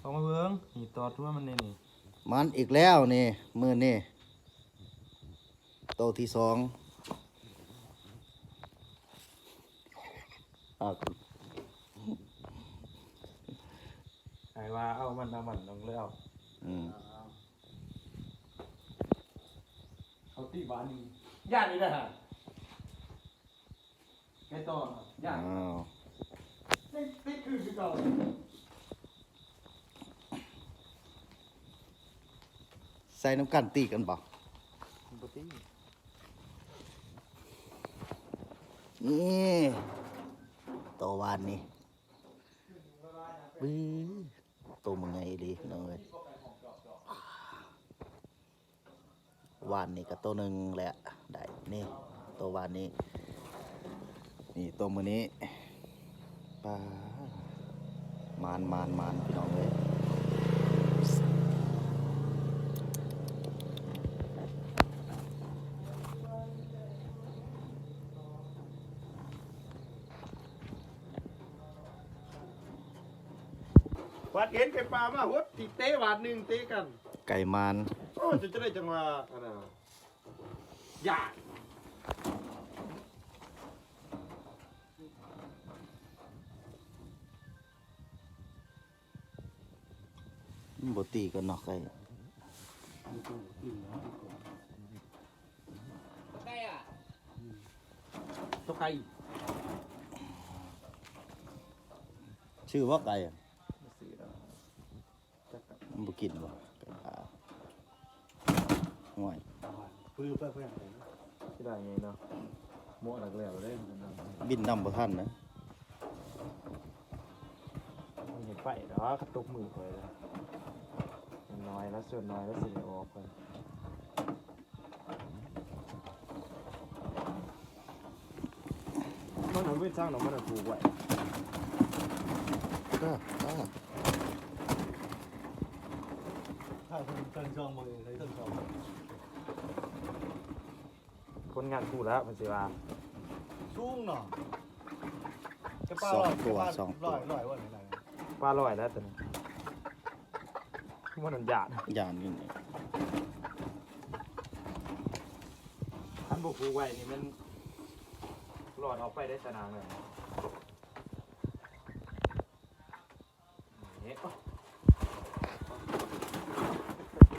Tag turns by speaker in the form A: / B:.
A: เขามาเบิ้งนี่ตอดทั่วมันนี่นี่
B: มันอีกแล้วนี่มือนี่โตที่สอง
A: ไอ้ว่าเอามันลงเลยเอาเขาตีบ้านนี่ย่านนี่นะฮะแกต่อย่านติดคือเก่า
B: ใส่น้ำกันตีกันบ่นี่โตวานนี่บื้อโตมึงไงดีน้องเอ้ยวานนี่ก็โตหนึ่งแหละได้นี่โตวานนี่นี่โตมือนี้ปลามานพี่น้องเลย
A: วัดเห็นไก่ปลามาหดตีเตะวาดหนึ่งเตะกัน
B: ไก่มาน
A: โอ้จะได้จังหวะอะไรยาก
B: บตีกันเนาะไก่
A: ไก่อะตัวไก่
B: ชื่อว่าไก่อะมันบ่กินบ่ไก่ปลาห่วย
A: เพื่อที่ได้ไงเนาะหม้อหลักแล้วได้
B: บินนำบ่ทันนะ
A: เห็นไฟเนาะกระตุกมือไปเลยน้อยแล้วส่วนน้อยแล้วสิออกไปมันเอาไปสร้างหนองมันถูกไว้
B: ก็
A: ถ้าคนตั้งช่องมาเลยตั้งช่องคนงานคู่แล้วมันสิว่าชุ่งเนาะ
B: สองตัว
A: ร้อยว่าไหนปลาลอยแล้วตอนนี้มันหยาด
B: นี่นี่
A: ท่านบอกคู่ไว้นี่มันหลอดออกไปได้สนานเลย